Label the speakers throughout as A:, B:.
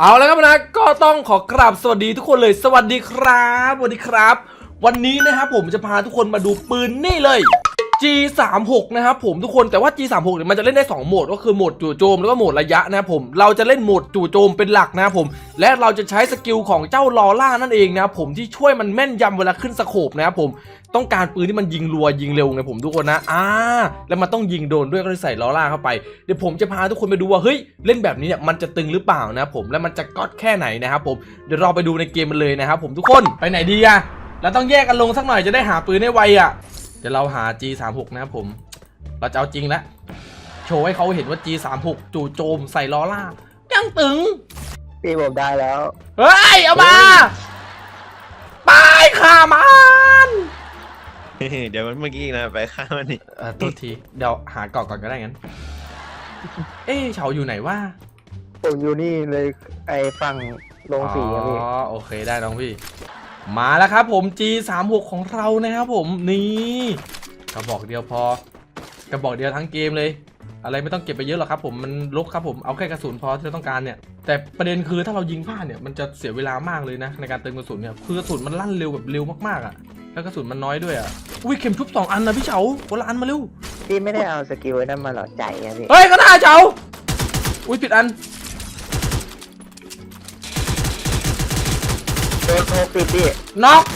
A: เอาแล้วครับนะก็ต้องขอกราบสวัสดีทุกคนเลยสวัสดีครับสวัสดีครับวันนี้นะครับผมจะพาทุกคนมาดูปืนนี่เลย G36 นะครับผมทุกคนแต่ว่า G36 เนี่ยมันจะเล่นได้2โหมดก็คือโหมดจู่โจมแล้วก็โหมดระยะนะครับผมเราจะเล่นโหมดจู่โจมเป็นหลักนะครับผมและเราจะใช้สกิลของเจ้าลอล่านั่นเองนะครับผมที่ช่วยมันแม่นยำเวลาขึ้นสโคปนะครับผมต้องการปืนที่มันยิงรัวยิงเร็วไงผมทุกคนนะแล้วมันต้องยิงโดนด้วยก็เลยใส่ลอล่าเข้าไปเดี๋ยวผมจะพาทุกคนไปดูว่าเฮ้ยเล่นแบบนี้เนี่ยมันจะตึงหรือเปล่านะครับผมและมันจะก๊อตแค่ไหนนะครับผมเดี๋ยวเราไปดูในเกมมันเลยนะครับผมทุกคนไปไหนดีอะเราต้องแยกกันลงสักหน่อยจะได้หาปืนได้ไวอะเดี๋ยวเราหา G36 นะครับผมเราจะเอาจริงแล้วโชว์ให้เขาเห็นว่า G36 จู่โจมใส่ลอล่ายังตึง
B: พี่ผมได้แล้ว
A: เฮ้ยเอามาไปฆ่ามัน
C: เดี๋ยวมันเมื่อกี้นะไปฆ่ามันนี่
A: ตัวทีเดี๋ยวหาเกาะก่อนก็ได้งั้นเฉาอยู่ไหนวะ
B: ผมอยู่นี่เลยไอ้ฝั่งโรงสีครับพี่
A: อ๋อโอเคได้น้องพี่มาแล้วครับผม G36 ของเรานะครับผมนี่กระบอกเดียวพอกระบอกเดียวทั้งเกมเลยอะไรไม่ต้องเก็บไปเยอะหรอกครับผมมันลกครับผมเอาแค่กระสุนพอที่เราต้องการเนี่ยแต่ประเด็นคือถ้าเรายิงพลาดเนี่ยมันจะเสียเวลามากเลยนะในการเติมกระสุนเนี่ยคือกระสุนมันลั่นเร็วแบบเร็วมากๆอ่ะแล้วกระสุนมันน้อยด้วยอ่ะอุ้ยเข็มชุบ2 อันนะพี่เฉาคนละอันมาเร็ว
B: พี่ไม่ได้เอาสกิลนั่นมาหรอใจอะพี่
A: เฮ้ยก็ได้เฉาอุ้ยผิดอัน
B: โดนโทรปิดพี่
A: น็อก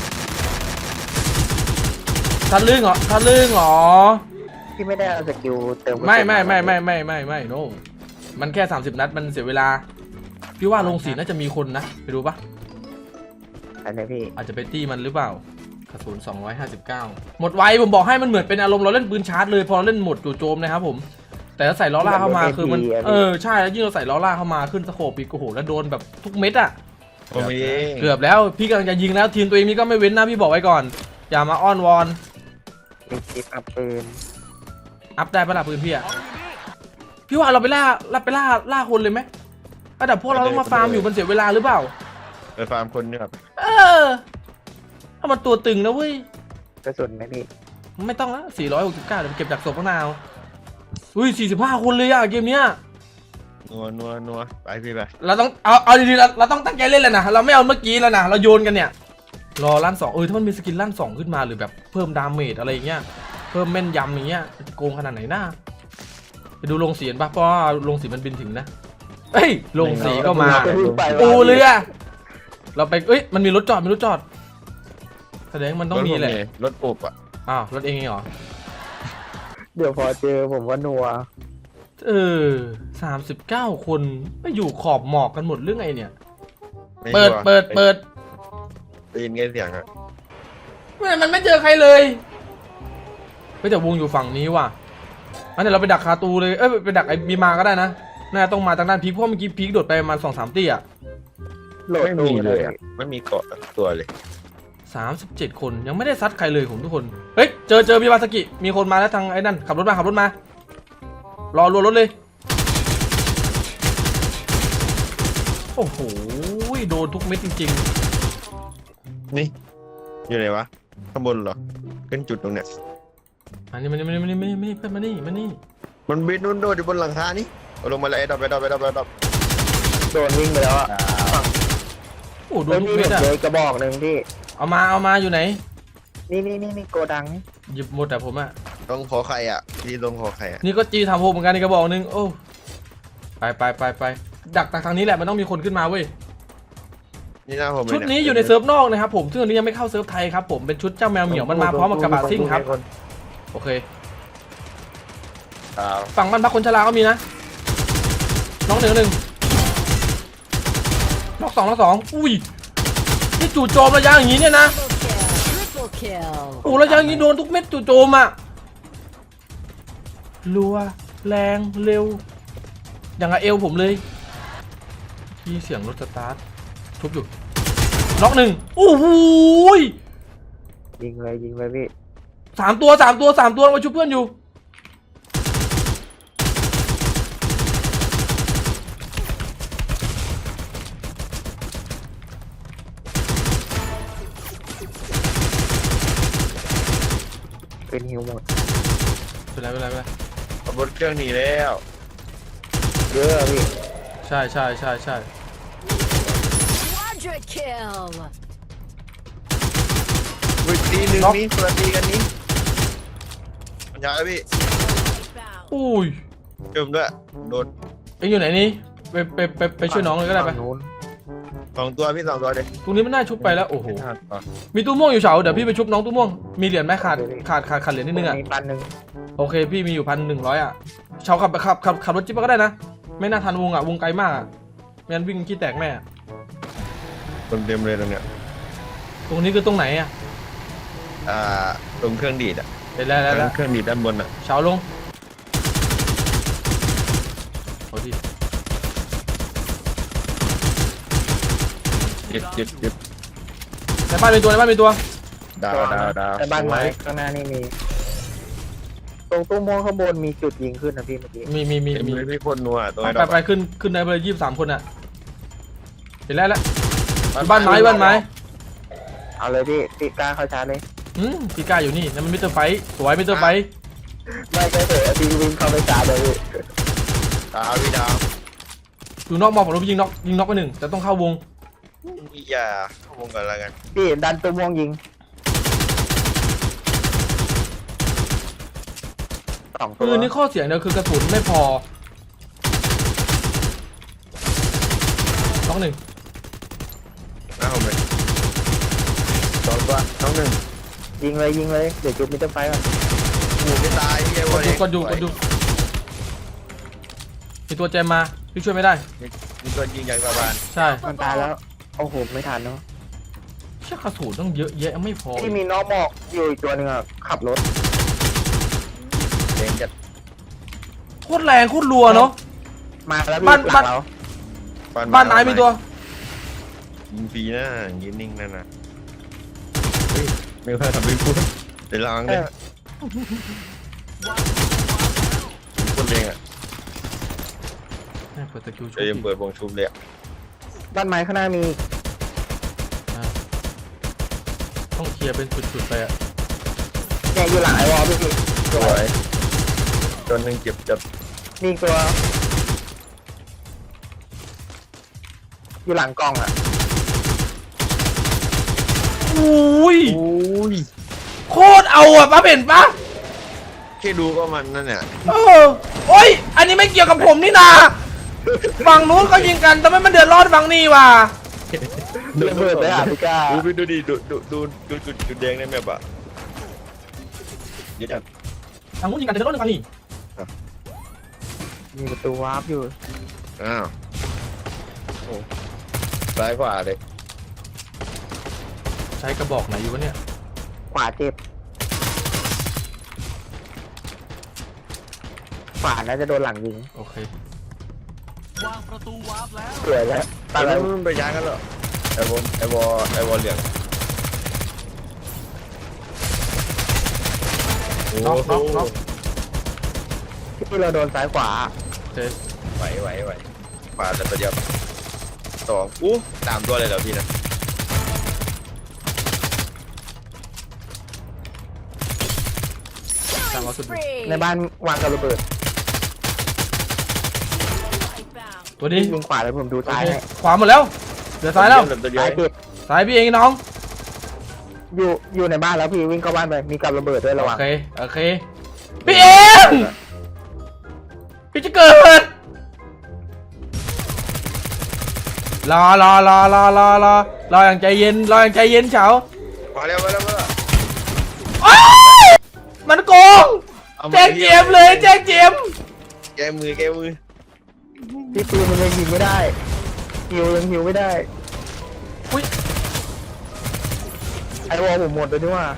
A: ทันลึงเหรอทันลึงเหรอ
B: พี่ไม่ได้เอาสกิลเติม
A: ไม่โน้มันแค่30 นัดมันเสียเวลาพี่ว่าโรงสีน่าจะมีคนนะไปดูปะ
B: อันนี้พี่
A: อาจจะไปตี้มันหรือเปล่ากระสุน259หมดไวผมบอกให้มันเหมือนเป็นอารมณ์เราเล่นปืนชาร์จเลยพอเราเล่นหมดจู่โจมนะครับผมแต่ถ้าใส่ล้อล่าเข้ามาคือมันใช่แล้วยิ่งเราใส่ล้อล่าเข้ามาขึ้นสโคปอีกโอ้โหแล้วโดนแบบทุกเม็ดอะเกือบแล้วพี่กำลังจะยิงแล้วทีมตัวเองนี่ก็ไม่เว้นนะพี่บอกไว้ก่อนอย่ามาอ้อนวอน
B: มีคลิปอัพปืน
A: อัพได้ปะล่ะปืนพี่อะพี่ว่าเราไปล่าคนเลยไหมแต่พวกเราต้องมาฟาร์มอยู่มันเสียเวลาหรือเปล่า
C: ไปฟาร์มคนเนี่ยครับ
A: ถ้ามันตัวตึงนะเว้ย
B: กระสุนไหมพี่
A: ไม่ต้องละ469เดี๋ยวเก็บจากศพข้างหน้าอุ้ย45 คนเลยอะเกมเนี้ย
C: นัวไปพี่ไป
A: เราต้องเอาดีๆเราต้องตั้งใจเล่นเลยนะเราไม่เอาเมื่อกี้แล้วนะเราโยนกันเนี่ยรอลั่น2ถ้ามันมีสกิลลั่น2ขึ้นมาหรือแบบเพิ่มดาเมจอะไรเงี้ยเพิ่มแม่นยำอย่างเงี้ยจะโกงขนาดไหนหน้าไปดูโรงสีป่ะเพราะว่าโรงสีมันบินถึงนะโรงสีก็มาปูเรือเราไปมันมีรถจอดแสดงมันต้องมีแหละ
C: รถปุบอ่ะ
A: รถเองเหรอ
B: เดี๋ยวพอเจอผมว่านัว
A: 39 คนไม่อยู่ขอบหมอกกันหมดเรื่องไงเนี่ยเปิด
C: ได้ยินไงเสียงอ่ะ
A: มันไม่เจอใครเลยแต่วงอยู่ฝั่งนี้ว่ะงั้นเดี๋ยวเราไปดักคาตูเลยไปดักไอ้บีมาก็ได้นะน่าต้องมาทางด้านพีคเพราะเมื่อกี้พีคโดดไปประมาณ2-3 ตีอะ
C: ไม่มีเลยอ่ะไม่มีเกาะตัวเลย
A: 37 คนยังไม่ได้ซัดใครเลยผมทุกคนเจอพี่วาสกิมีคนมาแล้วทางไอ้นั่นขับรถมารอรัวรถเลยโอ้โหโดนทุกเม็ดจริง
C: ๆนี่อยู่ไหนวะข้างบนเหรอขึ้นจุดตรงเนี้ย
A: อันนี้มันเพื่อนมานี่
C: มันบินนู่นโดดอยู่บนหลังคานี่ลงมาเลยดับ
B: โดนวิ่งไปแล้วอ่ะ
A: โอ้โดนทุกเม็ดอะ
B: กระบอกหนึ่งพี่
A: เอามาอยู่ไหน
B: นี่โกดัง
A: หยิบหมดแต่ผมอะ
C: ต้องขอใครอ่ะที่ลงขอใครอ่ะ
A: นี่ก็G36เหมือนกันในกระบอกหนึ่งโอ้ไปดักทางนี้แหละมันต้องมีคนขึ้นมาเว้ย
C: นี่หน้าผม
A: ชุดนี้อยู่ในเซิร์ฟนอกนะครับผมซึ่งอันนี้ยังไม่เข้าเซิร์ฟไทยครับผมเป็นชุดเจ้าแมวเหมียวมันมาพร้อมกับกระบะซิ่งครับโอเคฝั่งบ้านพักคนชราก็มีนะน้องหนึ่งน้องสองอุ้ยนี่จู่โจมระยะอย่างนี้เนี่ยนะระยะอย่างนี้โดนทุกเม็ดจู่โจมอ่ะรัวแรงเร็วอย่างกับเอวผมเลยที่เสียงรถสตาร์ททุบอยู่น็อก1โอ้โห
B: ยิงเลยพี่
A: 3 ตัวมาชุบเพื่อนอยู่
B: เป็นฮิวหมด
A: เป็นไร
C: ขับรถเครื่องหนีแล้ว
B: เยอะพี่
A: ใช่
D: kill.
C: วิธีหนึ่งนี้ตัวตีกันนี้มันยาวพี่
D: Wipe out.
A: อุ้ย
C: เจิมด้วยโดน
A: เอ็งอยู่ไหนนี่ไปช่วยน้องเลยก็ได้ไป
B: ฝั่งนู้น
C: 2 ตัวพี่2 ตัวเด็ก
A: ตรงนี้มันน่าชุบไปแล้วโอ้โหมีตู้ม่วงอยู่เฉาเดี๋ยวพี่ไปชุบน้องตู้ม่วงมีเหรียญไหมขาดเหรียญนิดนึงอ่ะ
B: มี1,000
A: โอเคพี่มีอยู่1,100อ่ะเฉาขับรถจิ๊บก็ได้นะไม่น่าทันวงอ่ะวงไกลมากอ่ะไม่งั้นวิ่งขี้แตกแม่
C: คนเต็มเลยตรงเนี้ย
A: ตรงนี้คือตรงไหนอ่ะ
C: ตรงเครื่องดีดอ่ะ
A: เห็นแล้ว
C: เครื่องดีดด้านบนอ่ะ
A: เฉาลงโอ้ดิ
C: ยึด
A: ในบ้านมีตัว
C: ดาว
B: แต่บ้านไม้ข้างหน้านี่มี ตรงตู้ม่วงข้างบนมีจุดยิงขึ้นนะพี่เมื่อกี้
A: มี
C: มีคนนัวตัว
A: ไปขึ้นได้เลย23 คนอ่ะเห็นแล้วบ้านไม้
B: เอาเลยพี่กล้าเข้าชาร์จเลย
A: พี่ก้าอยู่นี่นั่นมันมิสเตอร์ไฟสวยมิสเตอร์ไฟ
B: ไม่ใช่เถอะพี่วิ่งเข้าไปชาร์จเลยพี่
C: ดาวพี่ดาว
A: อยู่นอกมองผมรู้ยิงน็อกไปหนึ่งแต่ต้องเข้าวง
C: อย่าเข้าวงกันแล้วกัน
B: พี่ดันตู้ม่วงยิง2 ตัว
A: ปืนนี่ข้อเสียงเดียวคือกระสุนไม่พอน็อกหนึ่ง
C: หน้าผมเลย2 ตัวน้อง1
B: ยิงเลยเดี๋ยวจุดมิเตอร์ไฟก่อน
C: หมูไม่ตายพี่ไอ้
A: ก
C: วั
A: ด
C: น
A: ดู
C: นี้
A: กดดูมีตัวแจมมาพี่ช่วยไม่ได้
C: มีตัวยิงอย่างสบาน
A: ใช่
B: มันตายแล้วโอ้โหไม่ทันเนาะ
A: เชื่อกระสุนต้องเยอะแยะไม่พอ
B: ที่มีน้องหมอกอยู่อีกตัวหนึ่งอ่ะขับรถ
C: เด้งจัด
A: โคตรแรงโคตรรัวเนาะ
B: มาแล้วพี่
A: บ้าน
B: หลังเรา
A: บ้านไหนมีตัว
C: ยิงฟรีนะยืนนิ่งนั่นนะไม่ค่อยทำเป็นพูดเดี๋ยวลองเลยคนเองอ่ะ
A: เปิดตะคิวชุบ
C: เดี๋ยวยังเปิดวงชุบเลยอ่ะ
B: บ้านไม้ข้างหน้ามี
A: ต้องเคลียร์เป็นจุดๆไปอะ
B: เนี่ยอยู่หลังไอวอลพี่
C: สวยตัวหนึ่งเจ็บจัด
B: มีอีกตัว อยู่หลังกล่องอ่ะ
A: อุ้ย
C: อุ้ย
A: โคตรเอาอ่ะป้าเห็นปะ
C: แค่ดูก็มันนั่นเนี่ย
A: โอ้ยอันนี้ไม่เกี่ยวกับผมนี่นาฝั่งนู้นก็ยิงกันแต่ไม่มันเดือดร้อนฝั่งนี้ว่ะ
B: ระเบิดเลยอ่ะพี่ก้า
C: ดูดิดูจุดแดงในแมปอ่ะเยอะจัด
A: ฝั่งนู้นยิงกันเดือดร้อนฝั่งนี้
B: มีประตูวาร์ปอยู่
C: อ้าวโอ้ซ้ายขวาเลย
A: ใช้กระบอกไหนอยู่วะเนี่ย
B: ขวาเจ็บขวาน่าจะโดนหลังยิง
A: โอเค
B: สวยแล้ว
C: ตอนนั้นมันไปย้ายกันเหรอไอวอลเหลือง
A: น็อก
B: ที่เราโดนซ้ายขวา
A: โอเค
C: ไหวขวาแต่ตัวเดียว2อู้3 ตัวเลยเหรอพี่นะ
A: ตามเอาสุด
D: Free.
B: ในบ้านวางกับระเบิด
D: Wipe out.
A: ตัวนี้
B: ยิงขวาแล้วผมดู
A: โอ
B: ซ้าย
A: เค
B: ให้
A: ขวาหมดแล้วเหลือซ้ายแล้ว
C: ตัวเดียว
B: ซ้ายเจ็บ
A: ซ้ายพี่เองน้อง
B: อยู่ในบ้านแล้วพี่วิ่งเข้าบ้านไปมีกับระเบิดด้วยระ
A: โอ
B: วัง
A: เคพี่เองพี่จะเกิดรออย่างใจเย็นเฉา
C: มาแล้ว
A: โอ๊ยมันโกงแจ้งเจมเลยแจ้งเจม
C: แกมือ
B: พี่ปืนมันยังยิงไม่ได้ยังฮิวไม่ได้
A: อุ้ย
B: ไอวอลผมหมดเลยนี่ว่า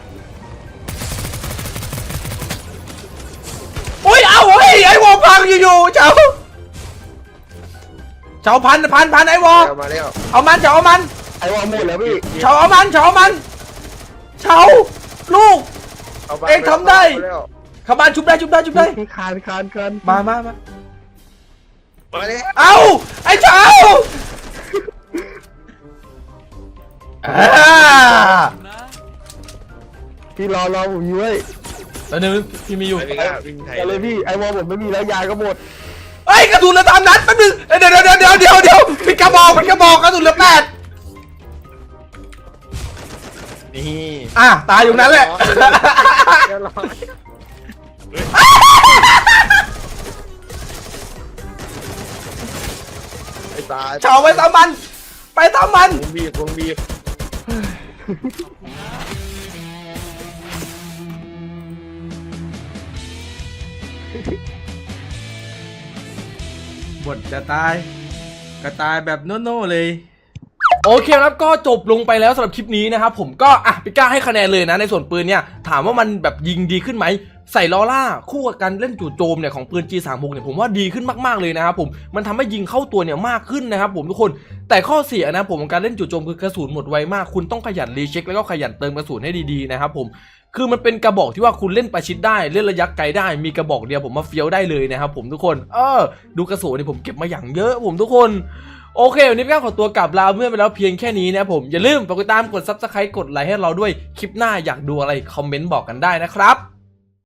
A: อุ้ยเอาเฮ้ยไอ้วอพังอยู่เฉาพันไอ้วอ
C: มาแล้ว
A: เอามันเฉาเอามัน
B: ไอวอลหมดแล้วพี่
A: เฉาเอามันเฉาลูก เอ็งทำได้ เข้าบ้านชุบได้
B: พี่คาน
A: มา
C: มาแล้ว
A: เอาไอ้เฉา
B: พี่รอผมอยู่เว้ย
A: แล้วนึงพี่มีอยู่
C: ไปก้าวิ่งไทย
B: เอาเลยพี่ไอวอลผมไม่มีแล้วยาก็หมด
A: เอ้ยกระสุนเหลือ3 นัดแป๊บนึงเดี๋ยวปิดกระบอกกระสุนเหลือ8
C: นี่
A: อ่ะตายอยู่นั้นแหละ
B: เดี๋ยวรอ
C: ไอ้ตาย
A: เฉาไปตามมัน ไปตามมัน
C: วงบีบวงบีบ
A: บทจะตายก็ตายแบบโน่ๆเลย โอเคครับก็จบลงไปแล้วสำหรับคลิปนี้นะครับผมก็พี่ก้าให้คะแนนเลยนะในส่วนปืนเนี่ยถามว่ามันแบบยิงดีขึ้นไหมใส่ลอร่าคู่กับการเล่นจู่โจมเนี่ยของปืน G36 เนี่ยผมว่าดีขึ้นมากๆเลยนะครับผมมันทำให้ยิงเข้าตัวเนี่ยมากขึ้นนะครับผมทุกคนแต่ข้อเสียนะผมของการเล่นจู่โจมคือกระสุนหมดไวมากคุณต้องขยันรีเช็คแล้วก็ขยันเติมกระสุนให้ดีๆนะครับผมคือมันเป็นกระบอกที่ว่าคุณเล่นประชิดได้เล่นระยะไกลได้มีกระบอกเดียวผมมาเฟี้ยวได้เลยนะครับผมทุกคนดูกระสุนเนี่ยผมเก็บมาอย่างเยอะผมทุกคนโอเควันนี้พี่ก้าขอตัวกลับลาเพื่อนไปแล้วเพียงแค่นี้นะผมอย่าลืมกดติดตามกด Subscribe กดไลค์ให้เราด้วยคลิปหน้าอยากดูอะไรคอมเมนต์บอกกันได้นะครับ